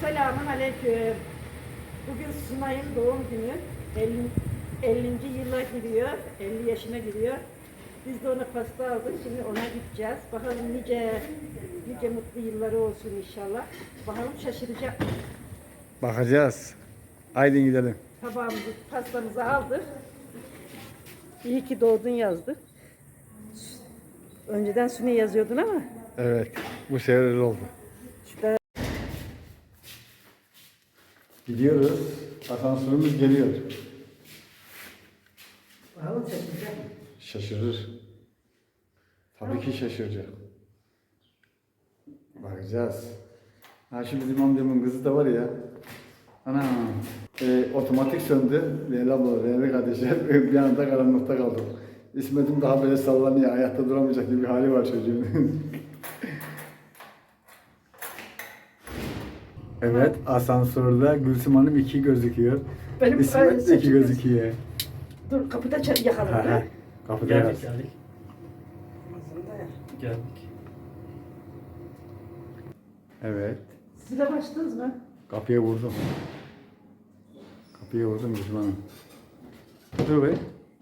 Selamun aleyküm. Bugün Sunay'ın doğum günü. 50. yıla giriyor. 50 yaşına giriyor. Biz de ona pasta aldık. Şimdi ona gideceğiz. Bakalım nice mutlu yılları olsun inşallah. Bakalım şaşıracak. Bakacağız. Haydi gidelim. Tabağımızı, pastamızı aldık. İyi ki doğdun yazdık. Önceden Sunay yazıyordun ama. Evet. Bu sefer öyle oldu. İşte Gidiyoruz. Asansörümüz geliyor. bakalım şaşıracak mı? Şaşırır. Tabii ki şaşıracak. Bakacağız. Ha şu bizim amcamın kızı da var ya. Ana. Otomatik söndü. Leyla abla, Leyla kardeşler bir anda karanlıkta kaldım. İsmet'im daha böyle sallanıyor. Ayakta duramayacak gibi bir hali var çocuğun. Evet, asansörde Gülsüm Hanım 2 gözüküyor. Benim İsmet de 2 gözüküyor. Dur kapıda yakalım. Ha, Ha? kapıda Geldik yaz. geldik. Geldik. Evet, Siz de başladınız mı? kapıya vurdum. Kapıya vurdum Gülsüm Hanım. Dur be.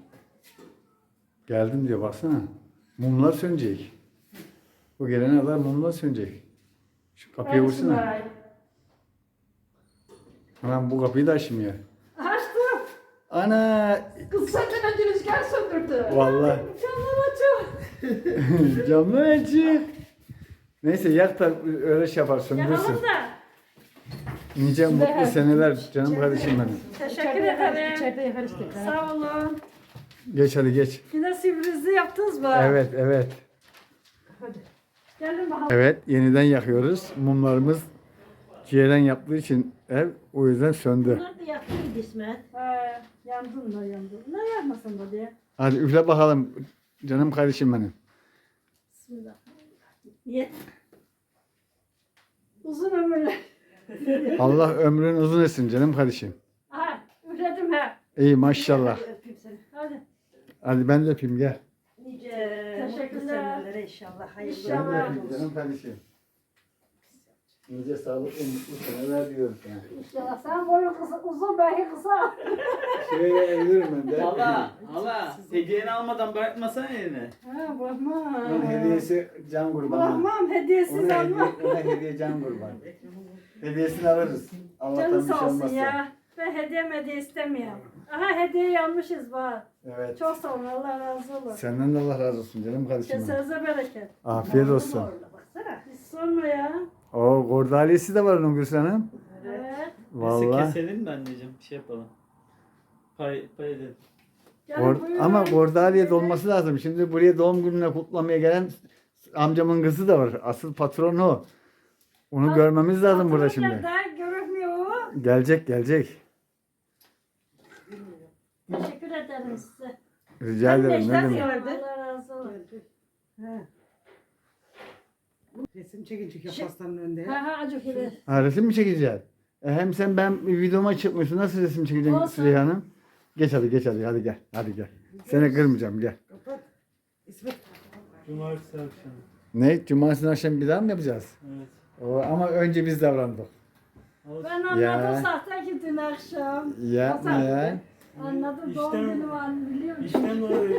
Geldim diyor, baksana. Mumlar sönecek. Bu gelene kadar mumlar sönecek. Şu kapıya vursana. Anam bu kapıyı da açmıyor. Açtım. Ana! Kız senden önce rüzgar söndürdü. Vallahi. Camları açıyor. Camlar açık. Neyse yak da öyle şey yapar, söndürsün. Yakalım da. Nice mutlu seneler canım kardeşim benim. Teşekkür ederim. İçeride yakarız tekrar. Sağ olun. Geç hadi geç. Yine sürprizi yaptınız mı? Evet evet. Hadi. Gelin bakalım. Evet yeniden yakıyoruz. Mumlarımız ciğeren yaptığı için ev o yüzden söndü. Bunlar da yaktı mı İsmet? He, yandın da yandın. Ne yapmasın da diye. Hadi üfle bakalım canım kardeşim benim. Bismillah. Niye? Uzun ömürlü. Allah ömrün uzun etsin canım kardeşim. Aha, üfledim he. İyi maşallah. Öpeyim seni. Hadi. Hadi ben de öpeyim gel. Nice Teşekkürler. mutlu senelere inşallah. Hayırlı İnşallah. Ben de olsun. öpeyim canım kardeşim. Nice sağlıklı mutlu seneler diyorum sana. İnşallah sen boyun kısa, uzun belki kısa. Şöyle evlenirim ben de. Hala hediyeni almadan bırakmasana elini. He, bırakmam. Onun hediyesi can kurbanı. Bırakmam, hediyesiz Ona almam. hediye, ona hediye can kurban. Hediyesini alırız. Allah'tan Canı bir şey sağ olsun olmazsa. ya. Ben hediye istemiyorum. Aha hediye almışız bak. Evet. Çok sağ olun, Allah razı olsun. Senden de Allah razı olsun canım kardeşim. benim. Kesinize bereket. Afiyet olsun. Orada baksana. Hiç sorma ya. O gordaliyesi de var onun Gülsün Hanım. Evet. Neyse Vallahi. keselim mi anneciğim? Bir şey yapalım. Pay edelim. Gelin buyurun. Ama gordaliye dolması lazım. Şimdi buraya doğum gününe kutlamaya gelen amcamın kızı da var. Asıl patron o. Onu görmemiz lazım burada Patron şimdi. geldi, görünmüyor o. Gelecek gelecek. Teşekkür ederim size. Rica Ben de ederim. Ne işler demek? gördüm. Allah razı olsun. He. Resim çekince pastanın önünde. Ha ha acık ile. Ha, resim mi çekeceğiz? Hem sen ben videoma çıkmıyorsun. Nasıl resim çekeceksin Olsun. Süleyha Hanım? Geç hadi geç hadi. Hadi gel. Hadi gel. Seni kırmayacağım gel. Kapat. İsmet. Cumartesi akşamı. Ne? Cumartesi akşam bir daha mı yapacağız? Evet. Ama önce biz davrandık. Ben anladım Ya. sahte ki dün akşam. Yapma ya. Anladım doğum İşte- günü var biliyor musun? İşten dolayı.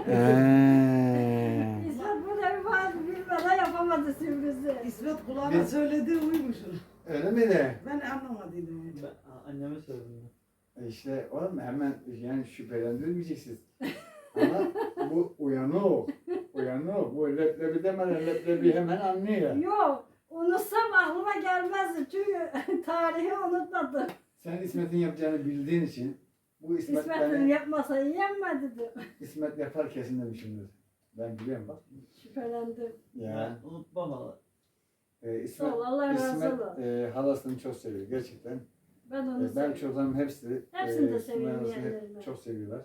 İsmet bu da var bilmeden yapamadı sürprizi. İsmet kulağına söyledi uymuşsun. Öyle miydi? Ben anlamadıydım. Ben anneme söyledim. İşte oğlum hemen yani şüphelendirmeyeceksiniz. Ama bu uyanık. Uyanık. Bu leblebi demeden leblebi hemen anlıyor. Yok unutsam aklıma gelmezdi çünkü tarihi unutmadım. Sen İsmet'in yapacağını bildiğin için bu İsmet İsmet'in beni, yapmasa yenmedi diyor. İsmet yapar kesin demişimdir. Ben biliyorum bak. Şüphelendim. Ya. Ben unutmam hala. İsmet, Sağ ol, Allah razı İsmet olsun. halasını çok seviyor gerçekten. Ben onu Ben seviyorum. çocuklarım hepsi Hepsini de Sümeyye seviyorum halasını hep yeğenlerimi. çok seviyorlar.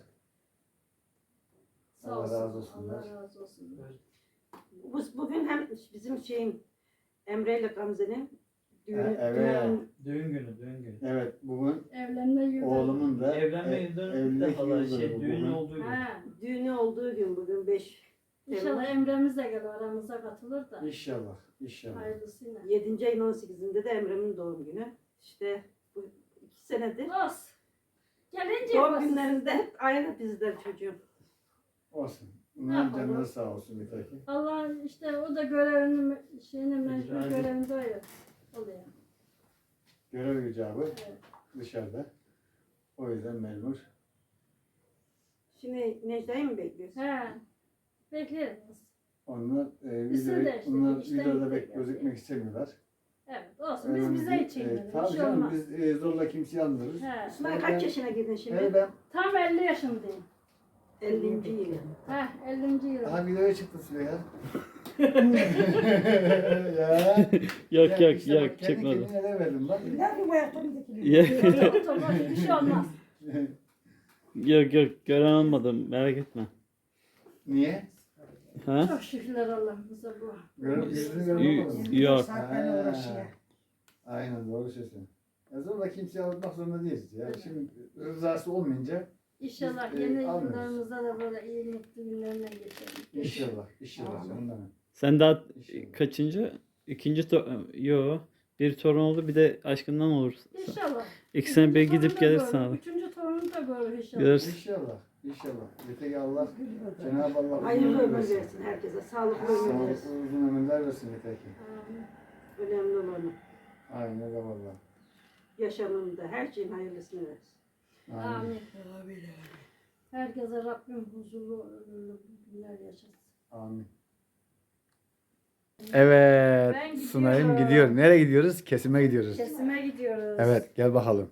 Sağ Allah olsun, razı olsun. Allah razı olsun. Bugün hem bizim Emre ile Gamze'nin düğünü. Evet. Düğün günü, düğün günü. Evet bugün Evlenme yılı. oğlumun da Evlenme e, yıldönümü de evlilik hala yıldönümü düğünün bugün. olduğu gün. Ha. Düğünü olduğu gün bugün 5 İnşallah Emre'miz de gelir aramıza katılır da. İnşallah, inşallah. Hayırlısıyla. 7. ayın 18'inde de Emre'min doğum günü. İşte bu 2 senedir. Olsun. Gelince Doğum yaparsın. günlerinde hep aynı bizden çocuğum. Olsun. Ne Bunların yapalım? canları sağ olsun yeter ki. Allah işte o da görevini şeyini mecbur Rica ederim. görevinde oluyor. Görev icabı Evet. dışarıda. O yüzden mecbur. Şimdi Necla'yı mı bekliyorsun? He. Bekleriz. Onlar Biz de işte onlar işten videoda gittik gözükmek istemiyorlar. Evet olsun. Biz Önemli bize değil. için bir Tabii şey canım olmaz. biz zorla kimseyi almıyoruz. He. İsmail kaç yaşına girdin şimdi? Ben Tam 50 yaşındayım. 50. yıl. He 50. yıl. aha videoya çıktı Süleyha. ya. Yok Ya yok işte yok bak, kendi çıkmadı. kendine ne verdim bak. Ne yapayım bu ayaklarını dikiliyor? Yok Otur bir şey olmaz. yok gören olmadım merak etme. Niye? Ha? Çok şükürler Allah'ımıza bu. Yüzünü görmedim. Yok. Saatlerle uğraşıyor. Aynen doğru söylüyorsun. Zorla kimseyi almak zorunda değiliz ya. Şimdi rızası olmayınca İnşallah Biz, yeni almıyoruz. yıllarımızda da böyle iyi mutlu günlerine geçelim. inşallah ondan. Sen daha İnşallah. kaçıncı? Yo. Bir torun oldu bir de aşkından olur. İnşallah. İkisine bir Üçüncü gidip torunu da gelirsin görür, abi. Üçüncü torunu da görür inşallah. Görürsün. İnşallah. Yeter ki Allah, Cenab-ı Allah Hayırlı uzun ömür versin. versin herkese. Sağlıklı ömür Sağlıklı versin. uzun ömürler versin yeter ki. Amin. Önemli olanı. Aynen öyle valla. Yaşamında her şeyin hayırlısını versin. Amin. Amin. Herkese Rabbim huzurlu ömürlü günler yaşasın. Amin. Ben Evet, gidiyorum. Sunay'ım gidiyor. Nereye gidiyoruz? Kesime gidiyoruz. Kesime gidiyoruz. Evet, gel bakalım.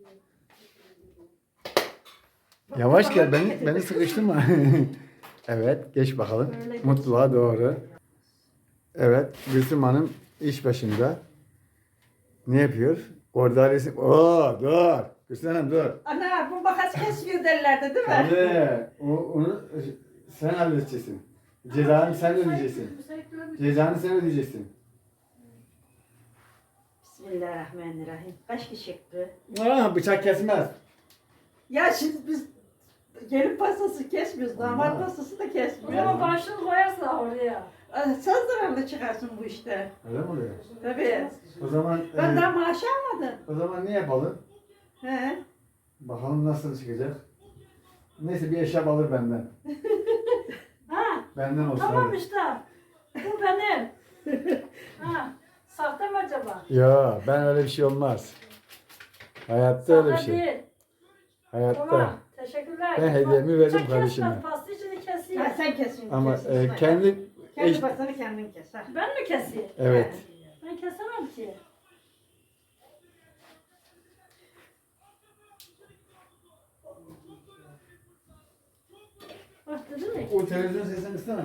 Yavaş gel, beni sıkıştırma. Evet, geç bakalım. Öyle geç. Mutluluğa doğru. Evet, Gülsüm Hanım iş başında. Ne yapıyor? Orada resim... Oo, dur. Gülsüm Hanım dur. Ana bu makas kesiyor derlerdi değil mi? Tabii. Onu sen halledeceksin. Cezanı sen ödeyeceksin. Cezanı sen ödeyeceksin. Bismillahirrahmanirrahim. Kaç kişi çıktı? Aa, bıçak kesmez. Ya şimdi biz gelin pastası kesmiyoruz. Damat Ama- pastası da O kesmiyoruz. zaman başını koyarsa oraya. Sen zararlı çıkarsın bu işte. Öyle mi oluyor? Tabii. O zaman Ben daha maaş almadım. o zaman ne yapalım? He. Bakalım nasıl çıkacak. Neyse bir eşya alır benden. Ha Benden olsun. tamam hadi. işte. Bu benim. Ha sahte mi acaba? Ya ben öyle bir şey olmaz. Hayatta öyle bir Sahte şey. değil. Hayatta. Tamam. Teşekkürler. Ben hediyemi verdim Bıçak kardeşime. kesmez, pasta içini keseyim. Ha, sen kesin. Ama kesin. kendi Kendi eş- pastanı kendin kes. Ha. Ben mi keseyim? evet. Ben kesemem ki. Bak dedim ya. O televizyon sesini kıssana.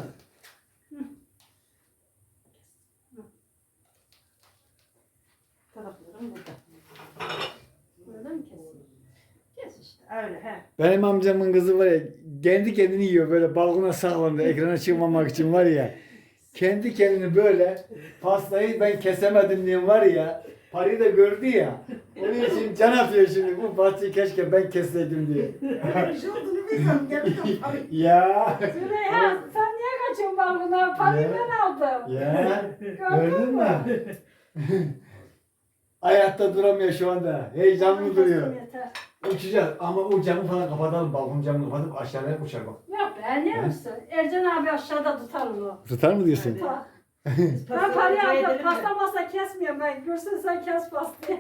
Taraflarım burada. Öyle mi keseyim? Kes işte. Öyle he. Benim amcamın kızı var ya kendi kendini yiyor böyle balkona saklandı ekrana çıkmamak için var ya. Kendi kendini böyle pastayı ben kesemedim diye var ya parayı da gördü ya. Onun için can atıyor şimdi bu pastayı keşke ben kesseydim diye. Bir şey olduğunu bilsem geldim. Ya. Süreyya sen niye kaçıyorsun balkona? Parayı Ya. ben aldım. Ya. Gördün Gördün mü? mü? Ayakta duramıyor şu anda. Heyecanlı duruyor. Yeter. Uçacağız ama o camı falan kapatalım. Balkon camını kapatıp aşağıya uçar bak. Yok be niye misin? Ercan abi aşağıda tutar onu. Tutar mı diyorsun? Tutar. Biz Ben pastayı parayı pay aldım. edelim de. Pasta masa kesmiyorum ben. Görsen sen kes pastayı.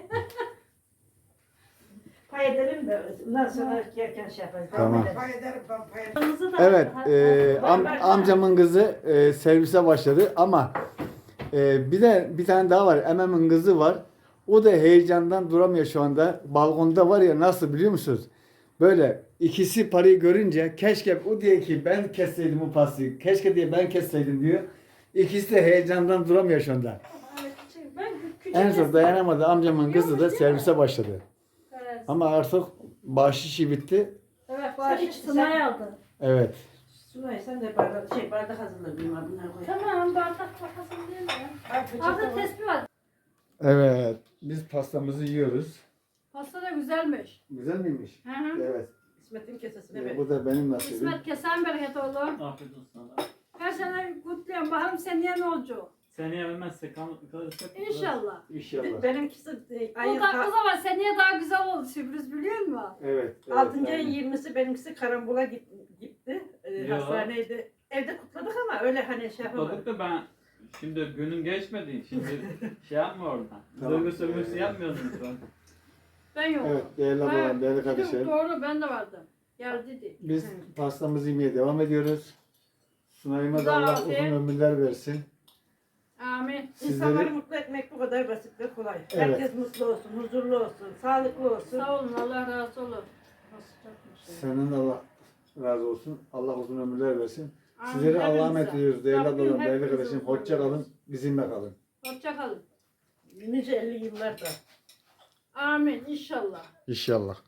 Pay edelim de ondan sonra yerken şey yaparız. Tamam. Pay ederim ben pay ederim. Kırmızı da- Evet, Var. amcamın kızı servise başladı ama bir tane daha var. Emem'in kızı var. O da heyecandan duramıyor şu anda. Balkonda var ya nasıl biliyor musunuz? Böyle ikisi parayı görünce keşke o diye ki ben kesseydim bu pastayı. Keşke diye ben kesseydim diyor. İkisi de heyecandan duramıyor şu anda. Evet, ben küçük En son kestim. dayanamadı amcamın kızı da Yokmuş değil mi? servise başladı. Evet. Ama artık bahşişi bitti. Evet, Bağış- Sınay aldı. Evet. Sunay sen de bardak hazırla benim abi bunları koy. Tamam, bardak bakasın değil mi? Al peçete Orada var. tespih var. Evet. Biz pastamızı yiyoruz. Pasta da güzelmiş. Güzel miymiş? Hı hı. Evet. İsmet'in kesesine ver. Bu da benim nasibim. İsmet kesen bereket oğlum. Afiyet olsun sana. Her sene kutluyorum. Bakalım seneye ne olacak? Seneye vermezsek kalırsak. İnşallah. İnşallah. Benimkisi ayın O zaman seneye daha güzel oldu sürpriz biliyor musun? Evet. 6. evet, ayın aynen. 20'si benimkisi karambola gitti. Ya. Hastaneydi. Evde kutladık ama öyle hani şey yapamadık. Kutladık da ben şimdi günün geçmedi. Şimdi şey yapma oradan. Tamam. Duygu sömürüsü yapmıyoruz lütfen. Ben yok. Evet değerli ablalarım, değerli kardeşlerim. Doğru ben de vardım. Geldi. Biz pastamızı yemeye devam ediyoruz. Sunay'ıma da Güzel Allah afiyet. uzun ömürler versin. Amin. İnsanları Sizleri mutlu etmek bu kadar basit ve kolay. Evet. Herkes mutlu olsun, huzurlu olsun, sağlıklı olsun. Sağ olun Allah razı olsun. Nasıl çakmış ya? senden Allah razı olsun. Allah uzun ömürler versin. Amin. Sizleri Allah'a Hepinize. emanet ediyoruz. Değerli Rabbim ablalarım, değerli hepinize kardeşim. uzun Hoşça ömür kalın. versin. Bizimle kalın. Hoşça kalın. Nice 50 yıllarda. Amin inşallah. İnşallah.